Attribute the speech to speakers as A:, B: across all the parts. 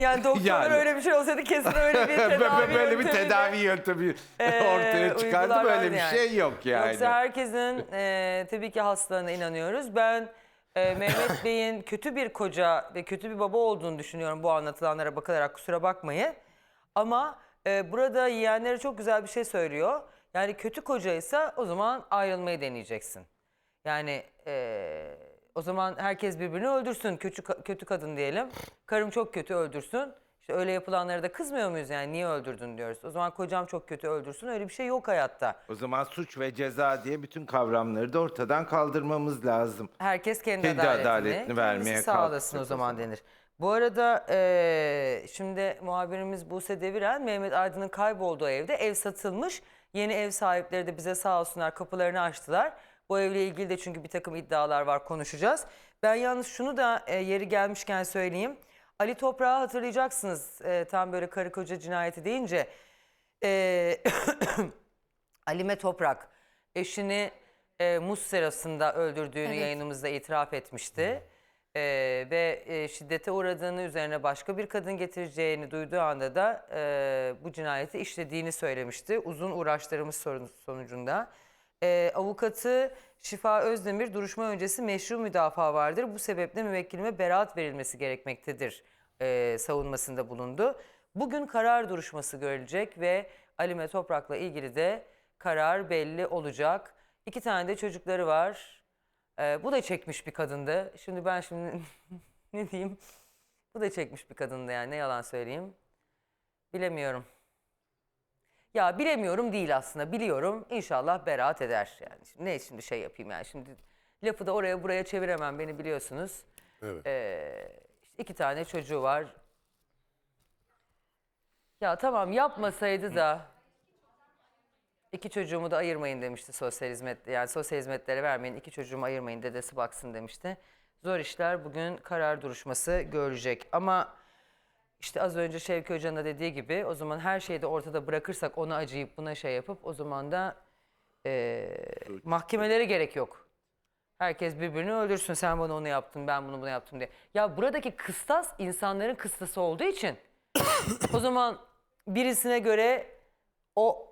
A: Yani doktorlar
B: Yani.
A: öyle bir şey olsaydı kesin öyle bir tedavi
B: Böyle bir
A: yöntemi de,
B: tedavi yöntemi ortaya çıkardı.
A: uygularlar
B: Böyle bir
A: yani.
B: şey yok yani.
A: Yoksa herkesin tabii ki hastalığına inanıyoruz. Ben Mehmet Bey'in kötü bir koca ve kötü bir baba olduğunu düşünüyorum bu anlatılanlara bakılarak, kusura bakmayın. Ama burada yeğenlere çok güzel bir şey söylüyor. Yani kötü kocaysa o zaman ayrılmayı deneyeceksin. Yani o zaman herkes birbirini öldürsün. Kötü kadın diyelim. Karım çok kötü, öldürsün. İşte öyle yapılanlara da kızmıyor muyuz yani? Niye öldürdün diyoruz. O zaman kocam çok kötü, öldürsün. Öyle bir şey yok hayatta.
B: O zaman suç ve ceza diye bütün kavramları da ortadan kaldırmamız lazım.
A: Herkes kendi
B: Kendi adaletini vermeye
A: kendisi sağlasın o
B: kalkacak
A: zaman denir. Bu arada şimdi muhabirimiz Buse Deviren, Mehmet Aydın'ın kaybolduğu evde, ev satılmış. Yeni ev sahipleri de bize sağ olsunlar kapılarını açtılar. Bu evle ilgili de çünkü bir takım iddialar var, konuşacağız. Ben yalnız şunu da yeri gelmişken söyleyeyim. Ali Toprak'ı hatırlayacaksınız, tam böyle karı koca cinayeti deyince. Alime Toprak eşini muz serasında öldürdüğünü yayınımızda itiraf etmişti. Ve şiddete uğradığını, üzerine başka bir kadın getireceğini duyduğu anda da bu cinayeti işlediğini söylemişti. Uzun uğraşlarımız sonucunda. Avukatı Şifa Özdemir, duruşma öncesi meşru müdafaa vardır. Bu sebeple müvekkilime beraat verilmesi gerekmektedir savunmasında bulundu. Bugün karar duruşması görülecek ve Alime Toprak'la ilgili de karar belli olacak. 2 tane de çocukları var. Bu da çekmiş bir kadındı. Şimdi ne diyeyim? Bu da çekmiş bir kadındı yani, ne yalan söyleyeyim. Bilemiyorum. Ya bilemiyorum değil aslında, biliyorum. İnşallah beraat eder yani. Şimdi şey yapayım yani, şimdi lafı da oraya buraya çeviremem, beni biliyorsunuz.
C: Evet.
A: İşte 2 tane çocuğu var. Ya tamam, yapmasaydı da 2 çocuğumu da ayırmayın demişti sosyal hizmet, yani sosyal hizmetlere vermeyin, 2 çocuğumu ayırmayın, dedesi baksın demişti. Zor işler, bugün karar duruşması görecek. Ama işte az önce Şevki Hoca'nın da dediği gibi, o zaman her şeyi de ortada bırakırsak, ona acıyıp buna şey yapıp, o zaman da mahkemelere gerek yok. Herkes birbirini öldürsün, sen bana onu yaptın, ben bunu yaptım diye. Ya buradaki kıstas insanların kıstası olduğu için o zaman birisine göre o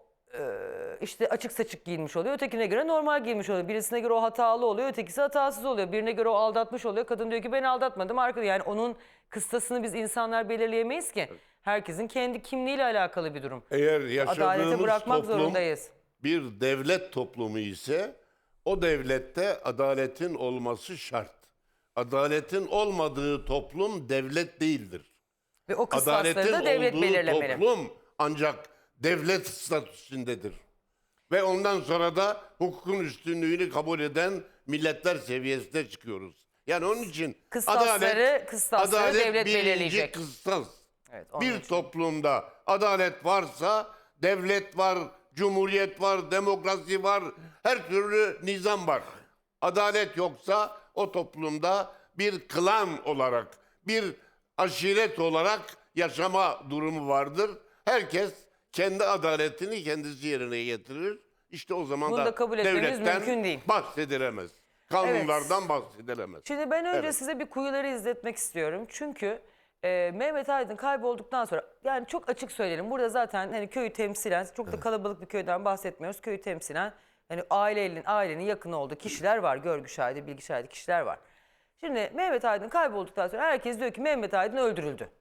A: işte açık saçık giyinmiş oluyor, ötekine göre normal giyinmiş oluyor. Birisine göre o hatalı oluyor, ötekisi hatasız oluyor. Birine göre o aldatmış oluyor, kadın diyor ki ben aldatmadım. Arkada yani onun kıstasını biz insanlar belirleyemeyiz ki. Herkesin kendi kimliğiyle alakalı bir durum.
C: Eğer
A: Adalete
C: yaşadığımız
A: bırakmak
C: toplum
A: zorundayız.
C: bir devlet toplumu ise o devlette adaletin olması şart. Adaletin olmadığı toplum devlet değildir.
A: Ve o kıstasları
C: Adaletin
A: da devlet
C: olduğu
A: belirlemeli.
C: toplum ancak devlet statüsündedir. Ve ondan sonra da hukukun üstünlüğünü kabul eden milletler seviyesine çıkıyoruz. Yani onun için
A: Kıstasları devlet
C: birinci
A: belirleyecek.
C: kıstas.
A: Evet, onun
C: Bir
A: için.
C: toplumda adalet varsa devlet var, cumhuriyet var, demokrasi var, her türlü nizam var. Adalet yoksa o toplumda bir klan olarak, bir aşiret olarak yaşama durumu vardır. Herkes kendi adaletini kendisi yerine getirir. İşte o zaman
A: Bunu
C: da
A: da kabul etmemiz
C: devletten
A: mümkün değil.
C: bahsedilemez. Kanunlardan bahsedilemez.
A: Şimdi ben önce
C: Evet.
A: size bir kuyuları izletmek istiyorum. Çünkü Mehmet Aydın kaybolduktan sonra, yani çok açık söyleyelim. Burada zaten hani köyü temsilen, çok da kalabalık bir köyden bahsetmiyoruz. Köyü temsilen hani ailenin yakını olduğu kişiler var. Görgü şahidi, bilgi şahidi kişiler var. Şimdi Mehmet Aydın kaybolduktan sonra herkes diyor ki Mehmet Aydın öldürüldü.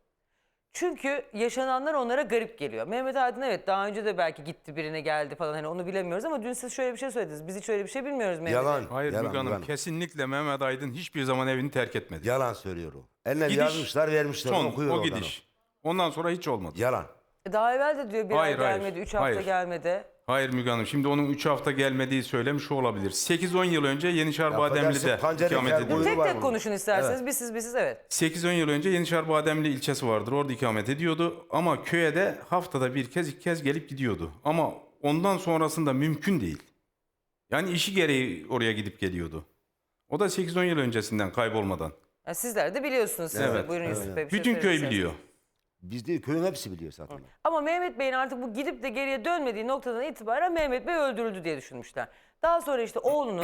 A: Çünkü yaşananlar onlara garip geliyor. Mehmet Aydın evet daha önce de belki gitti, birine geldi falan, hani onu bilemiyoruz ama dün siz şöyle bir şey söylediniz. Biz hiç öyle bir şey bilmiyoruz Mehmet
D: Yalan.
A: Aydın.
E: Hayır
D: yalan,
E: Müge Hanım,
D: yalan.
E: kesinlikle Mehmet Aydın hiçbir zaman evini terk etmedi.
D: Yalan söylüyor o. Eline
E: Gidiş,
D: yazmışlar, vermişler.
E: son,
D: okuyor
E: o
D: oradan
E: gidiş. Ondan sonra hiç olmadı.
D: Yalan.
A: Daha evvel de diyor bir
E: Hayır,
A: ay
E: hayır,
A: gelmedi, 3 hafta
E: hayır.
A: gelmedi.
E: Hayır Müge Hanım, şimdi onun 3 hafta gelmediği söylemiş olabilir. 8-10 yıl önce Yenişehir Bademli'de
D: pancarı
E: ikamet
D: kel
E: ediyordu.
D: boyu-
A: Tek
D: var
A: tek
D: bunun.
A: konuşun isterseniz. Bir siz evet.
E: 8-10 yıl önce Yenişehir Bademli ilçesi vardır. Orada ikamet ediyordu. Ama köye de haftada bir kez, 2 kez gelip gidiyordu. Ama ondan sonrasında mümkün değil. Yani işi gereği oraya gidip geliyordu. O da 8-10 yıl öncesinden kaybolmadan.
A: Yani sizler de biliyorsunuz. Siz de.
E: Evet,
A: Buyurun Yusuf Bey. bir şey
E: Bütün köy
A: söyleyeceksiniz.
E: biliyor.
D: Biz değil, köyün hepsi biliyor zaten.
A: Ama Mehmet Bey'in artık bu gidip de geriye dönmediği noktadan itibaren Mehmet Bey öldürüldü diye düşünmüşler. Daha sonra işte oğlunu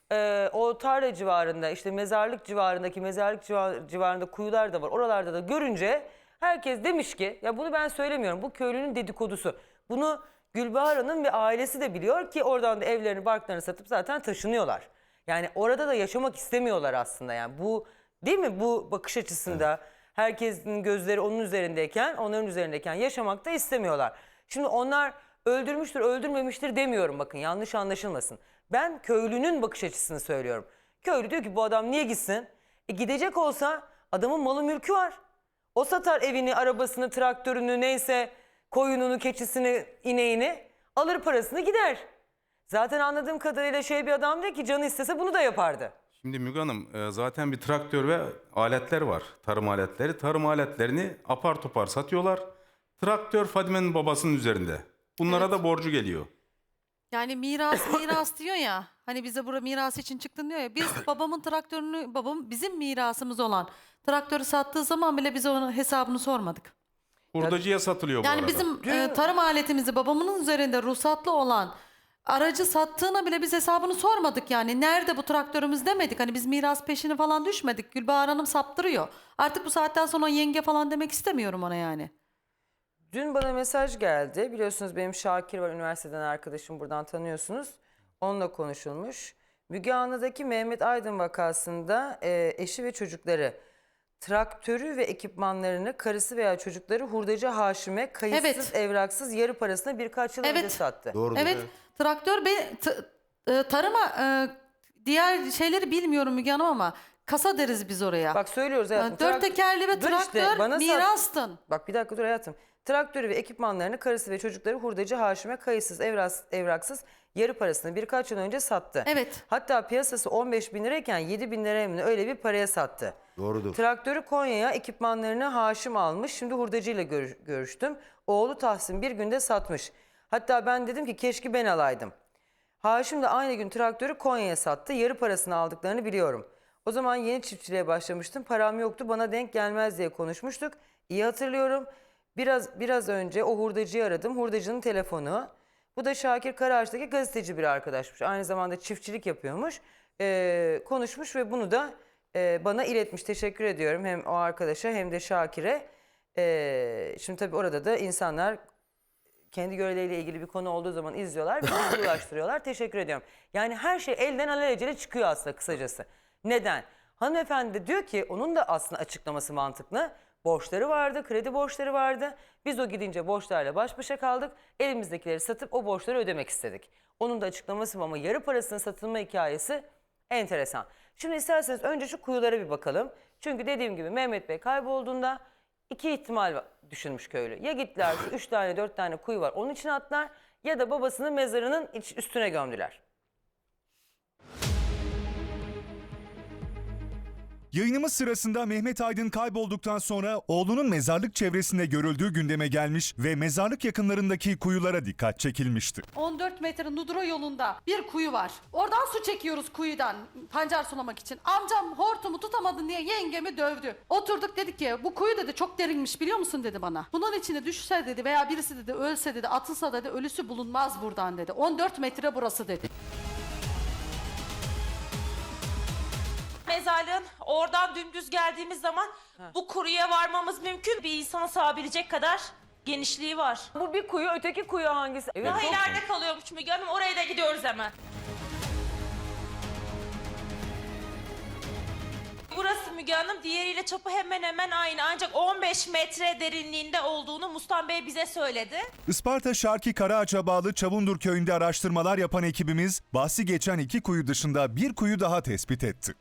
A: o tarla civarında, işte mezarlık civarında kuyular da var. Oralarda da görünce Herkes demiş ki, ya bunu ben söylemiyorum, bu köylünün dedikodusu. Bunu Gülbahar Hanım ve ailesi de biliyor ki oradan da evlerini, barklarını satıp zaten taşınıyorlar. Yani orada da yaşamak istemiyorlar aslında. Yani bu, değil mi, bu bakış açısında herkesin gözleri onun üzerindeyken, onların üzerindeyken yaşamak da istemiyorlar. Şimdi onlar öldürmüştür, öldürmemiştir demiyorum, bakın yanlış anlaşılmasın. Ben köylünün bakış açısını söylüyorum. Köylü diyor ki bu adam niye gitsin? Gidecek olsa adamın malı mülkü var. O satar evini, arabasını, traktörünü, neyse koyununu, keçisini, ineğini, alır parasını gider. Zaten anladığım kadarıyla bir adam değil ki, canı istese bunu da yapardı.
E: Şimdi Müge Hanım zaten bir traktör ve aletler var. Tarım aletleri. Tarım aletlerini apar topar satıyorlar. Traktör Fadime'nin babasının üzerinde. Bunlara da borcu geliyor.
F: Yani miras diyor ya. Hani bize burada miras için çıktın diyor ya. Biz babamın traktörünü, bizim mirasımız olan traktörü sattığı zaman bile biz onun hesabını sormadık.
E: Hurdacıya satılıyor bu
F: Yani
E: arada.
F: bizim tarım aletimizi babamın üzerinde ruhsatlı olan aracı sattığına bile biz hesabını sormadık yani. Nerede bu traktörümüz demedik. Hani biz miras peşine falan düşmedik. Gülbahar Hanım saptırıyor. Artık bu saatten sonra yenge falan demek istemiyorum ona yani.
A: Dün bana mesaj geldi. Biliyorsunuz benim Şakir var, üniversiteden arkadaşım, buradan tanıyorsunuz. Onunla konuşulmuş. Müge Anlı'daki Mehmet Aydın vakasında eşi ve çocukları traktörü ve ekipmanlarını karısı veya çocukları hurdacı Haşim'e kayıtsız,
F: Evet.
A: evraksız, yarı parasına birkaç yıl önce
F: Evet.
A: sattı.
D: Doğrudur.
F: Evet, traktör tarıma diğer şeyleri bilmiyorum Müge Hanım ama kasa deriz biz oraya.
A: Bak söylüyoruz hayatım.
F: Dört tekerli ve
A: Dur işte,
F: traktör
A: bana
F: mirastın.
A: Bak bir dakika dur hayatım. Traktörü ve ekipmanlarını karısı ve çocukları hurdacı Haşim'e kayıtsız, evraksız, yarı parasını birkaç yıl önce sattı.
F: Evet.
A: Hatta piyasası 15 bin lirayken 7 bin liraya mı ne, öyle bir paraya sattı.
D: Doğrudur.
A: Traktörü Konya'ya, ekipmanlarını Haşim almış. Şimdi hurdacıyla görüştüm. Oğlu Tahsin bir günde satmış. Hatta ben dedim ki keşke ben alaydım. Haşim de aynı gün traktörü Konya'ya sattı. Yarı parasını aldıklarını biliyorum. O zaman yeni çiftçiliğe başlamıştım. Param yoktu, bana denk gelmez diye konuşmuştuk. İyi hatırlıyorum. Biraz önce o hurdacıyı aradım. Hurdacının telefonu. Bu da Şakir Karaağaç'taki gazeteci bir arkadaşmış. Aynı zamanda çiftçilik yapıyormuş. Konuşmuş ve bunu da bana iletmiş. Teşekkür ediyorum hem o arkadaşa hem de Şakir'e. Şimdi tabii orada da insanlar kendi görevleriyle ilgili bir konu olduğu zaman izliyorlar ve bilgi ulaştırıyorlar. Teşekkür ediyorum. Yani her şey elden alelacele çıkıyor aslında kısacası. Neden? Hanımefendi de diyor ki onun da aslında açıklaması mantıklı. Borçları vardı, kredi borçları vardı. Biz o gidince borçlarla baş başa kaldık. Elimizdekileri satıp o borçları ödemek istedik. Onun da açıklaması bu ama yarı parasının satılma hikayesi enteresan. Şimdi isterseniz önce şu kuyulara bir bakalım. Çünkü dediğim gibi Mehmet Bey kaybolduğunda iki ihtimal düşünmüş köylü. Ya gittiler, 3 tane 4 tane kuyu var onun içine attılar ya da babasının mezarının üstüne gömdüler.
G: Yayınımız sırasında Mehmet Aydın kaybolduktan sonra oğlunun mezarlık çevresinde görüldüğü gündeme gelmiş ve mezarlık yakınlarındaki kuyulara dikkat çekilmişti.
F: 14 metre Nudro yolunda bir kuyu var. Oradan su çekiyoruz kuyudan pancar sulamak için. Amcam hortumu tutamadın diye yengemi dövdü. Oturduk dedik ki bu kuyu dedi çok derinmiş biliyor musun dedi bana. Bunun içine düşse dedi veya birisi dedi ölse dedi atılsa dedi ölüsü bulunmaz buradan dedi. 14 metre burası dedi.
H: Mezarlığın oradan dümdüz geldiğimiz zaman bu kuruya varmamız mümkün. Bir insan sığabilecek kadar genişliği var.
A: Bu bir kuyu, öteki kuyu hangisi? Evet,
H: Daha
A: çok-
H: ileride kalıyormuş Müge Hanım. Oraya da gidiyoruz hemen. Burası Müge Hanım diğeriyle çapı hemen hemen aynı. Ancak 15 metre derinliğinde olduğunu Mustan Bey bize söyledi.
G: Isparta Şarki Karaağaç'a bağlı Çavundur köyünde araştırmalar yapan ekibimiz bahsi geçen 2 kuyu dışında bir kuyu daha tespit etti.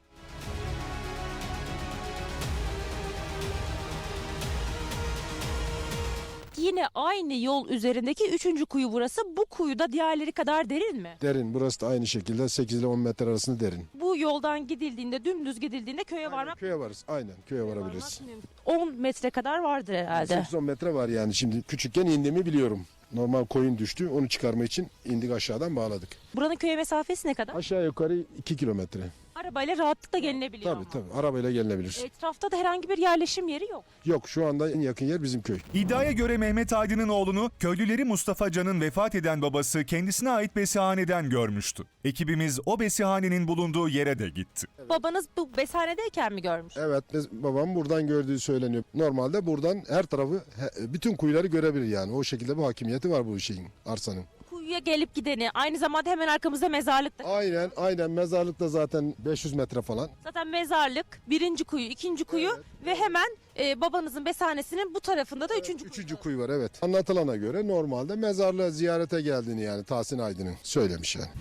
I: Yine aynı yol üzerindeki 3. kuyu burası. Bu kuyu da diğerleri kadar derin mi?
J: Derin. Burası da aynı şekilde 8 ile 10 metre arasında derin.
I: Bu yoldan gidildiğinde, dümdüz gidildiğinde köye varmak
J: Köye varız. Aynen köye varabiliriz.
I: mümkün. 10 metre kadar vardır herhalde.
J: 8-10 metre var yani. Şimdi küçükken indiğimi biliyorum. Normal koyun düştü. Onu çıkarma için indik aşağıdan bağladık.
I: Buranın köye mesafesi ne kadar?
J: Aşağı yukarı 2 kilometre.
I: Arabayla rahatlıkla gelinebiliyor
J: Tabii
I: ama.
J: tabii arabayla gelinebilir.
I: Etrafta da herhangi bir yerleşim yeri yok.
J: Yok şu anda en yakın yer bizim köy.
G: İddiaya göre Mehmet Aydın'ın oğlunu köylüleri Mustafa Can'ın vefat eden babası kendisine ait besihaneden görmüştü. Ekibimiz o besihanenin bulunduğu yere de gitti.
I: Babanız bu besanedeyken mi görmüş?
J: Evet babam buradan gördüğü söyleniyor. Normalde buradan her tarafı bütün kuyuları görebilir yani. O şekilde bir hakimiyeti var bu şeyin, arsanın.
I: Kuyuya gelip gideni, aynı zamanda hemen arkamızda mezarlık da.
J: Aynen mezarlık da zaten 500 metre falan.
I: Zaten mezarlık, birinci kuyu, ikinci kuyu ve hemen babanızın besanesinin bu tarafında da üçüncü kuyu.
J: Üçüncü kuyu var evet. Anlatılana göre normalde mezarlığa ziyarete geldiğini yani Tahsin Aydın'ın söylemiş yani.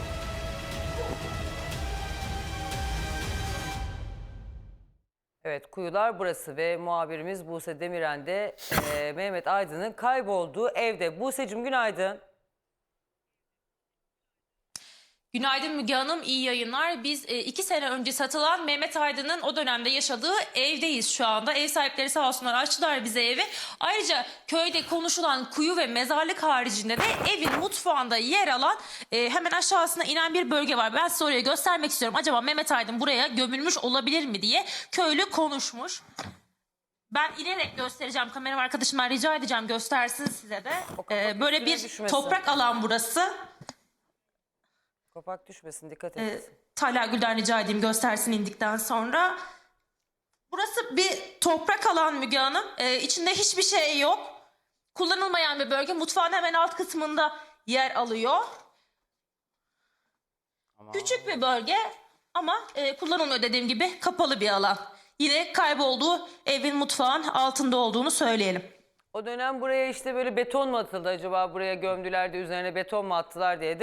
A: Evet, kuyular burası ve muhabirimiz Buse Demiren de Mehmet Aydın'ın kaybolduğu evde. Buse'cim günaydın.
H: Günaydın Müge Hanım, iyi yayınlar. Biz 2 sene önce satılan Mehmet Aydın'ın o dönemde yaşadığı evdeyiz şu anda. Ev sahipleri sağ olsunlar açtılar bize evi. Ayrıca köyde konuşulan kuyu ve mezarlık haricinde de evin mutfağında yer alan hemen aşağısına inen bir bölge var. Ben size orayı göstermek istiyorum. Acaba Mehmet Aydın buraya gömülmüş olabilir mi diye köylü konuşmuş. Ben inerek göstereceğim. Kameram arkadaşımdan rica edeceğim göstersin size de. Böyle bir
A: düşmesin.
H: toprak alan burası.
A: Kapak düşmesin, dikkat et.
H: Talha Gül'den rica edeyim göstersin indikten sonra. Burası bir toprak alan Müge Hanım. İçinde hiçbir şey yok. Kullanılmayan bir bölge. Mutfağın hemen alt kısmında yer alıyor. Küçük bir bölge ama kullanılmıyor dediğim gibi kapalı bir alan. Yine kaybolduğu evin mutfağın altında olduğunu söyleyelim.
A: O dönem buraya işte böyle beton mu atıldı acaba, buraya gömdüler de üzerine beton mu attılar diye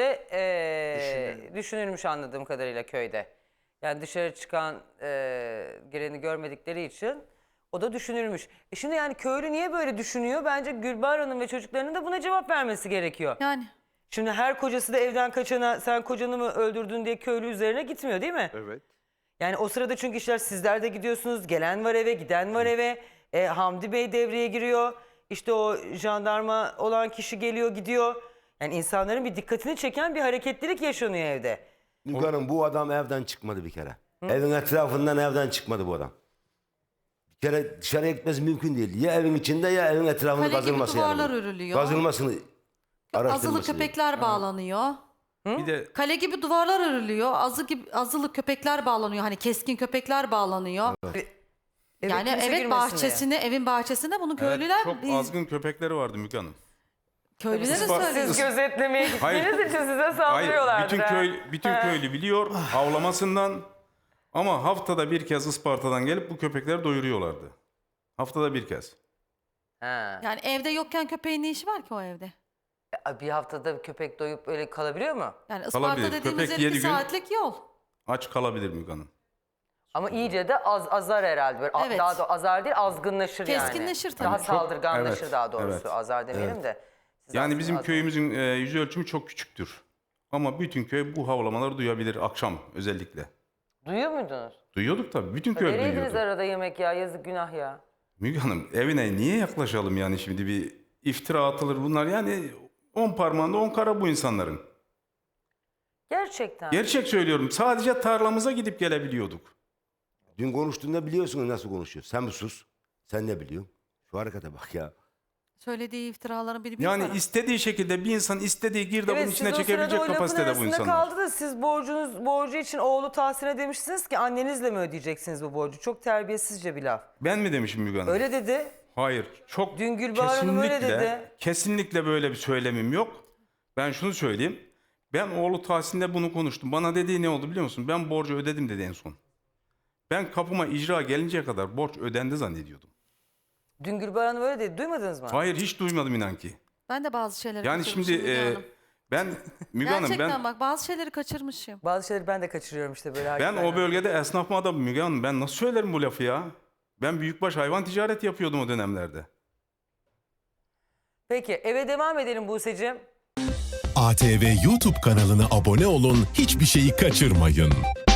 A: de düşünülmüş anladığım kadarıyla köyde. Yani dışarı çıkan gireni görmedikleri için o da düşünülmüş. Şimdi yani köylü niye böyle düşünüyor? Bence Gülbahar Hanım ve çocuklarının da buna cevap vermesi gerekiyor.
F: Yani
A: Şimdi her kocası da evden kaçana sen kocanı mı öldürdün diye köylü üzerine gitmiyor değil mi?
B: Evet.
A: Yani o sırada çünkü işler sizler de gidiyorsunuz. Gelen var eve, giden var eve. Hamdi Bey devreye giriyor. İşte o jandarma olan kişi geliyor gidiyor. Yani insanların bir dikkatini çeken bir hareketlilik yaşanıyor evde.
D: Müge Hanım bu adam evden çıkmadı bir kere. Evin etrafından evden çıkmadı bu adam. Bir kere dışarıya gitmesi mümkün değil. Ya evin içinde ya evin etrafında
F: Kale gibi
D: kazılması
F: duvarlar
D: yani.
F: örülüyor.
D: Kazılmasını
F: azılı
D: araştırması değil.
F: köpekler bağlanıyor.
E: Bir de
F: Kale gibi duvarlar örülüyor. Azılı köpekler bağlanıyor. Hani keskin köpekler bağlanıyor.
A: Eve
F: Yani
A: kimse
F: evet
A: girmesin diye.
F: evin bahçesinde bunu
E: evet,
F: köylüler
E: çok azgın köpekleri vardı Müge Hanım.
F: köylüler de
E: Siz-
F: söylüyor.
A: Siz gözetlemeye
E: Hayır.
A: gittiğiniz için size
E: Hayır,
A: saldırıyorlardır.
E: bütün köylü biliyor havlamasından, ama haftada bir kez Isparta'dan gelip bu köpekleri doyuruyorlardı. Haftada bir kez.
A: Ha.
F: Yani evde yokken köpeğin ne işi var ki o evde?
A: Bir haftada köpek doyup öyle kalabiliyor mu?
F: Yani Isparta
E: Kalabilir.
F: dediğimiz
E: Köpek
F: yer
E: 7
F: 2
E: gün-
F: saatlik yol.
E: Aç kalabilir Müge Hanım.
A: Ama iyice de azar herhalde. Böyle
F: Evet.
A: Daha da azar değil, azgınlaşır yani.
F: Keskinleşir tabii.
A: Daha
F: Çok-
A: saldırganlaşır
E: Evet,
A: daha doğrusu.
E: evet.
A: Azar demeyelim de. Siz
E: Yani
A: aslında
E: bizim
A: azar-
E: köyümüzün yüz ölçümü çok küçüktür. Ama bütün köy bu havlamaları duyabilir akşam özellikle.
A: Duyuyor muydunuz?
E: Duyuyorduk tabii. Bütün köy
A: Nereydiniz
E: duyuyordu.
A: arada yemek ya? Yazık günah ya.
E: Müge Hanım evine niye yaklaşalım yani, şimdi bir iftira atılır bunlar, yani 10 parmağında 10 kara bu insanların.
A: Gerçekten.
E: Gerçek söylüyorum, sadece tarlamıza gidip gelebiliyorduk.
D: Dün konuştuğunda biliyorsunuz nasıl konuşuyor. Sen bir sus. Sen ne biliyorsun? Şu harekete bak ya.
F: Söylediği iftiraların bir
E: Yani
F: para.
E: istediği şekilde bir insan istediği girdabın
A: Evet,
E: içine
A: siz o
E: çekebilecek
A: sırada o lafın
E: kapasitede bu
A: arasında
E: insanlar.
A: kaldı da siz borcu için oğlu Tahsin'e demiştiniz ki annenizle mi ödeyeceksiniz bu borcu? Çok terbiyesizce bir laf.
E: Ben mi demişim Müge Hanım?
A: Öyle dedi.
E: Hayır. Çok
A: Dün Gülbahar Hanım öyle dedi.
E: Kesinlikle böyle bir söylemim yok. Ben şunu söyleyeyim. Ben oğlu Tahsin'le bunu konuştum. Bana dediği ne oldu biliyor musun? Ben borcu ödedim dedi en son. Ben kapıma icra gelinceye kadar borç ödendi zannediyordum.
A: Dün Gülbahar Hanım öyle dedi. Duymadınız mı?
E: Hayır, hiç duymadım inan ki.
F: Ben de bazı şeyleri
E: Yani
F: kaçırmışım
E: şimdi
F: Müge Hanım.
E: ben Müge Hanım
F: Gerçekten bak bazı şeyleri kaçırmışım.
A: Bazı şeyleri ben de kaçırıyorum işte böyle.
E: ben
A: hakikaten.
E: o bölgede esnaf mı adamım Müge Hanım? Ben nasıl söylerim bu lafı ya? Ben büyükbaş hayvan ticareti yapıyordum o dönemlerde.
A: Peki eve devam edelim Buse'cim.
K: ATV YouTube kanalına abone olun, hiçbir şeyi kaçırmayın.